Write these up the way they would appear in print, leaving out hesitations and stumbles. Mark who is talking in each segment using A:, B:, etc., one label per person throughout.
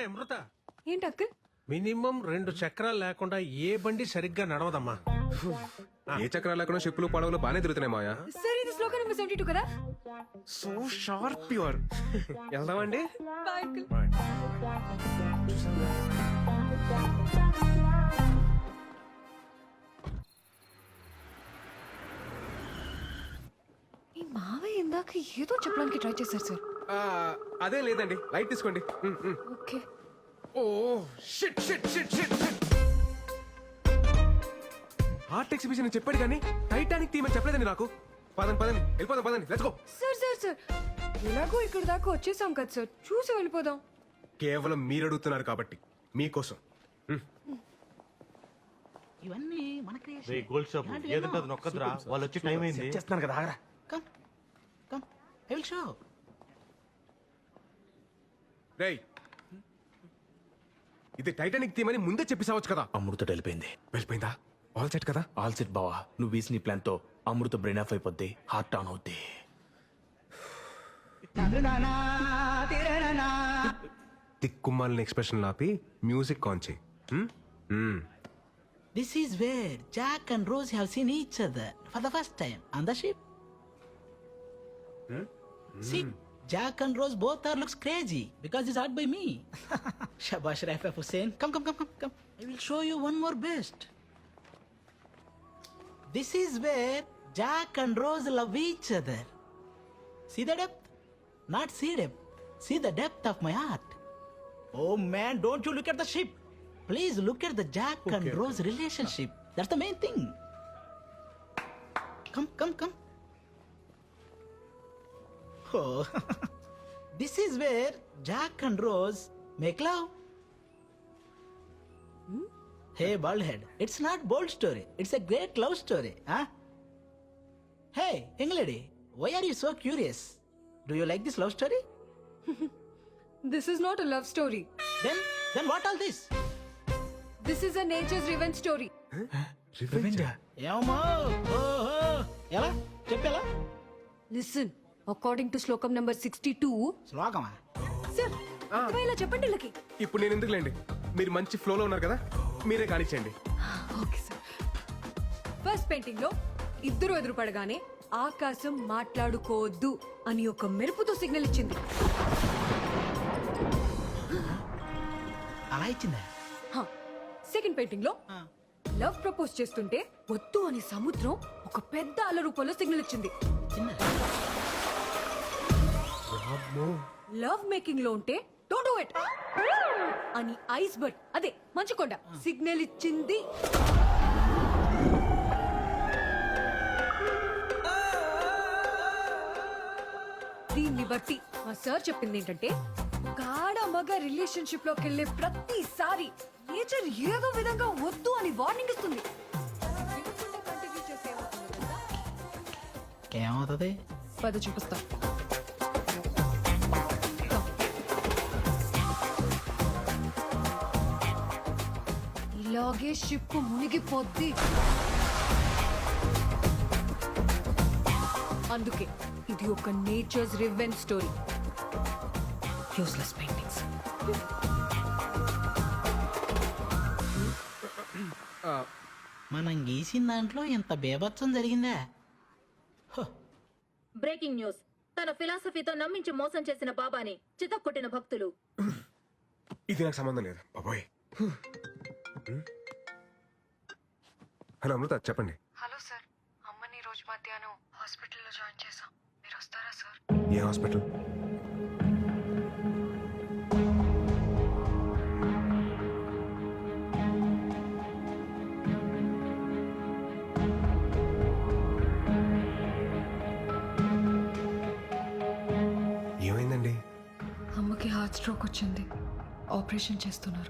A: అమ్మాయి అమృత,
B: ఏంటి uncle?
A: Minimum 2 చక్రాలు లేకుండా ఏ బండి సరిగ్గా నడవదమ్మా.
C: ఏ చక్రాలు లేకుండా షిప్పులు పడవలు బాగానే తిరుగుతున్నాయి మాయా.
B: సార్ ఇది శ్లోక నెంబర్ 72 కదా?
C: So sharp pure. వెళ్దామండి.
B: Bye uncle. ఈ మావయ్య ఇందాక ఏదో చెప్పడానికి ట్రై చేశారు సార్.
C: అదే లేదండి, లైట్ తీసుకోండి.
B: Okay.
C: Oh shit shit shit shit shit. Art exhibition అని చెప్పాడు కానీ టైటానిక్ థీమ్ అని చెప్పలేదండి నాకు. పదండి పదండి వెళ్ళిపోదాం, పదండి let's go.
B: Sir sir sir ఎలాగో ఇక్కడ దాకా వచ్చేసాం కదా సార్, చూసి వెళ్ళిపోదాం.
C: కేవలం మీరు అడుగుతున్నారు కాబట్టి మీకోసం.
D: ఇవన్నీ మన
E: రే గోల్డ్ షాప్ ఏదంటే అది నొక్కద్రా, వాళ్ళు వచ్చి టైం అయింది.
D: చేస్తున్నాను కదా, ఆగరా. Come come I will show.
C: రేయ్, ఇది టైటానిక్ థీమ్ అని ముందే చెప్పేసావచ్చు కదా.
F: అమృత వెళ్ళిపోయింది.
C: వెళ్ళిపోయిందా? ఆల్ సెట్ కదా?
F: ఆల్ సెట్ బావా. నువ్వు వేసిన ప్లాన్ తో అమృత బ్రెయిన్ ఆఫ్ అయిపోద్ది, హార్ట్ ఆన్ అవుద్ది.
C: తిక్కుమాలిన ఎక్స్ప్రెషన్ ఆపి మ్యూజిక్ ఆన్ చేయి.
D: This is where Jack and Rose have seen each other for the first time on the ship. See, Jack and Rose both are looks crazy because it's art by me. Shabash Raif Hussain. Come. I will show you one more best. This is where Jack and Rose love each other. See the depth? Not see depth. See the depth of my art. Oh man, don't you look at the ship. Please look at the Jack and Rose relationship. That's the main thing. Come. Oh, this is where Jack and Rose make love. Hey, bald head. It's not bold story. It's a great love story, huh? Hey, young lady, why are you so curious? Do you like this love story?
B: This is not a love story.
D: Then what all this?
B: This is a nature's revenge story.
D: ఏమో ఓహో ఎలా చెప్పేలా
B: Listen, according to శ్లోకం number 62.
D: శ్లోకమా?
B: Sir ఇలా చెప్పండి వీళ్ళకి.
C: ఇప్పుడు నేను ఎందుకులేండి, మీరు మంచి ఫ్లోలో ఉన్నారు కదా, మీరే కానిచ్చేయండి.
B: Okay sir. ఫస్ట్ పెయింటింగ్ లో ఇద్దరు ఎదురుపడగానే ఆకాశం మాట్లాడుకోవద్దు అని ఒక మెరుపుతో సిగ్నల్ ఇచ్చింది.
D: అలా ఇచ్చిందా?
B: సెకండ్ పెయింటింగ్ లో లవ్ ప్రపోజ్ చేస్తుంటే వద్దు అని సముద్రం ఒక పెద్ద అల రూపంలో సిగ్నల్ ఇచ్చింది. లవ్ మేకింగ్ లో ఉంటే డోంట్ డూ ఇట్ అని ఐస్ బర్డ్ అదే మంచుకొండ సిగ్నల్ ఇచ్చింది. దీన్ని బట్టి మా సార్ చెప్పింది ఏంటంటే గాఢ మగ రిలేషన్షిప్ లోకి వెళ్ళే ప్రతిసారి నేచర్ ఏదో విధంగా వద్దు అని వార్నింగ్ ఇస్తుంది.
D: ఏమవుతుంది?
B: పద చూపిస్తా. ఇలాగే షిప్ మునిగిపోద్ది. అందుకే ఇది ఒక nature's revenge story. Useless paintings.
D: మనం గీసిన దాంట్లో ఇంత బేభత్సం జరిగిందా?
G: Breaking news. తన ఫిలాసఫీతో నమ్మించి మోసం చేసిన బాబాని చితక్కొట్టిన భక్తులు.
C: ఇది నాకు సంబంధం లేదు బాబోయ్. హలో అమృత, చెప్పండి.
B: హలో సార్, అమ్మని రోజు మధ్యాహ్నం హాస్పిటల్లో జాయిన్ చేశాం. మీరు వస్తారా సార్?
C: ఏ హాస్పిటల్? ఏమైందండి?
B: అమ్మకి హార్ట్ స్ట్రోక్ వచ్చింది, ఆపరేషన్ చేస్తున్నారు.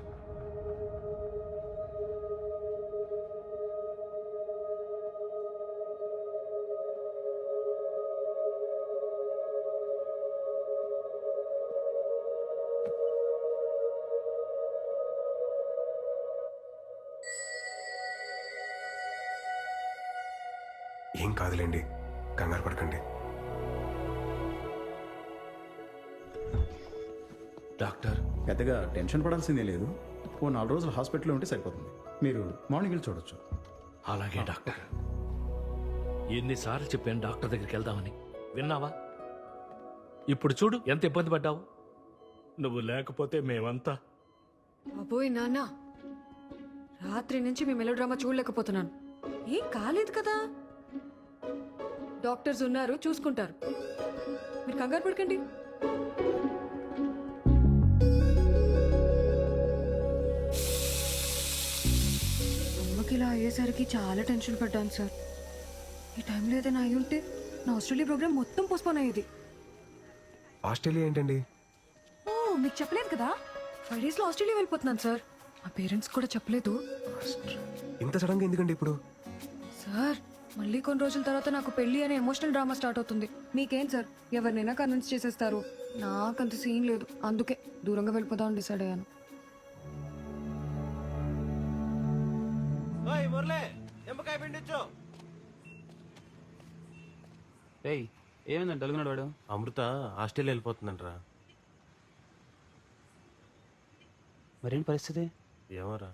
C: ఏం కాదులేండి, కంగారు పడకండి.
F: డాక్టర్
H: పెద్దగా టెన్షన్ పడాల్సిందే లేదు. ఓ 4 రోజులు హాస్పిటల్లో ఉంటే సరిపోతుంది. మీరు మార్నింగ్ వెళ్ళి చూడొచ్చు.
I: అలాగే డాక్టర్. ఎన్నిసార్లు చెప్పాను డాక్టర్ దగ్గరికి వెళ్దామని, విన్నావా? ఇప్పుడు చూడు ఎంత ఇబ్బంది పడ్డావు. నువ్వు లేకపోతే మేమంతా.
B: అబ్బోయ్ నాన్న, రాత్రి నుంచి మీ మెలోడ్రామా చూడలేకపోతున్నాను. ఏం కాలేదు కదా, డాక్టర్స్ ఉన్నారు, చూసుకుంటారు. మీరు కంగారు పడకండి. అమ్మకి ఇలా అయ్యేసరికి చాలా టెన్షన్ పడ్డాను సార్. ఈ టైంలో ఏదైనా అయి ఉంటే నా ఆస్ట్రేలియా ప్రోగ్రామ్ మొత్తం పోస్ట్పోన్ అయ్యేది.
C: ఆస్ట్రేలియా ఏంటండి?
B: ఓ, మీకు చెప్పలేదు కదా, 5 days లో ఆస్ట్రేలియా వెళ్ళిపోతున్నాను సార్. మా పేరెంట్స్ కూడా చెప్పలేదు.
C: ఇంత సడన్ గా ఎందుకండి ఇప్పుడు?
B: సార్, మళ్ళీ కొన్ని రోజుల తర్వాత నాకు పెళ్లి అనే ఎమోషనల్ డ్రామా స్టార్ట్ అవుతుంది. మీకేం సార్, ఎవరినైనా కన్విన్స్ చేసేస్తారు. నాకంత సీన్ లేదు, అందుకే దూరంగా వెళ్ళిపోదామని డిసైడ్ అయ్యాను.
J: ఏయ్, ఏమైందండి డలుగున్నాడు వాడు?
E: అమృత ఆస్ట్రేలియా వెళ్ళిపోతుందంటరా.
J: మరేంటి పరిస్థితి?
E: ఏమోరా.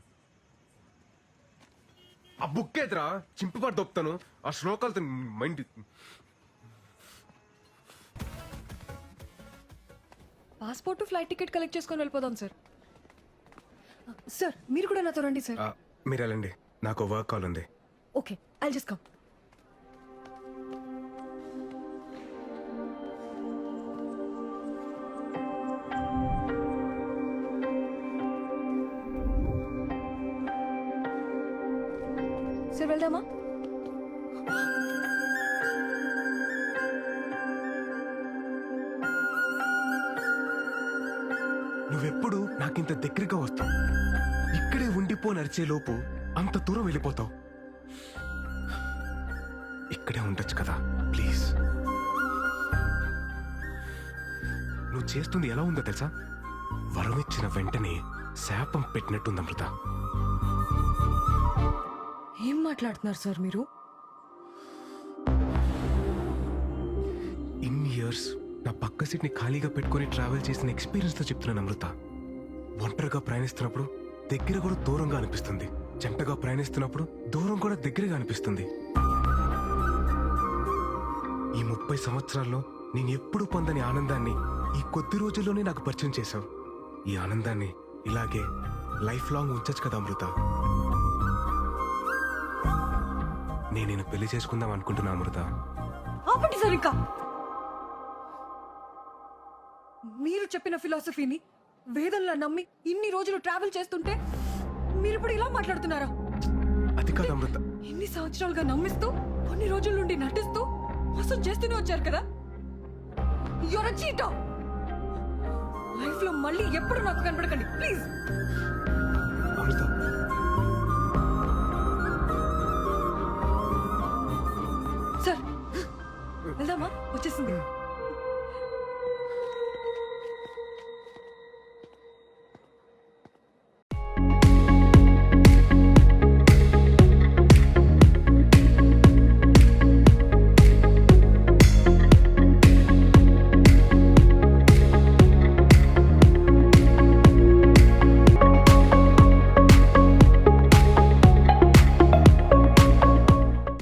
C: ఆ బుక్ ఏదిరా, చింపిపడి దొప్పుతాను. ఆ శ్లోకాలతో mind.
B: Passport flight ticket collect చేసుకొని వెళ్ళిపోదాం సార్. సార్, మీరు కూడా నాతో రండి సార్.
C: మీరు వెళ్ళండి, నాకు వర్క్ కాల్ ఉంది.
B: Okay, I'll just come. Sir, వెళ్దామా?
C: నువ్వెప్పుడు నాకింత దగ్గరగా వస్తావు, ఇక్కడే ఉండిపో నడిచే లోపు అంత దూరం వెళ్ళిపోతావు. ఇక్కడే ఉండొచ్చు కదా ప్లీజ్. నువ్వు చేస్తుంది ఎలా ఉందో తెలుసా? వరం ఇచ్చిన వెంటనే శాపం పెట్టినట్టుంది అమృత.
B: ఏం మాట్లాడుతున్నారు సార్ మీరు?
C: ఇన్ని ఇయర్స్ నా పక్క సీట్ ని ఖాళీగా పెట్టుకుని ట్రావెల్ చేసిన ఎక్స్పీరియన్స్ తో చెప్తున్నాను అమృత. ఒంటరిగా ప్రయాణిస్తున్నప్పుడు దగ్గర కూడా దూరంగా అనిపిస్తుంది, జంటగా ప్రయాణిస్తున్నప్పుడు దూరం కూడా దగ్గరగా అనిపిస్తుంది. ఈ 30 సంవత్సరాల్లో నేను ఎప్పుడు పొందని ఆనందాన్ని ఈ కొద్ది రోజుల్లోనే నాకు పరిచయం చేశావు. ఈ ఆనందాన్ని ఇలాగే లైఫ్ లాంగ్ ఉంచచ్చు కదా అమృత. నేను పెళ్లి చేసుకుందాం అనుకుంటున్నా అమృత.
B: ఆపండి సార్, ఇంకా మీరు చెప్పిన ఫిలాసఫీని వేదంలా నమ్మి ఇన్ని రోజులు ట్రావెల్ చేస్తుంటే మీరు ఇప్పుడు ఇలా మాట్లాడుతున్నారా?
C: అది కాదు అమృత.
B: ఎన్ని సంవత్సరాలుగా నమ్మిస్తూ కొన్ని రోజుల నుండి నటిస్తూ మోసం చేస్తూనే వచ్చారు కదా. Your cheater. లైఫ్ లో మళ్ళీ ఎప్పుడు నాకు కనపడకండి ప్లీజ్.
C: అమృత,
B: సార్, వెళ్దామా? వచ్చేసింది.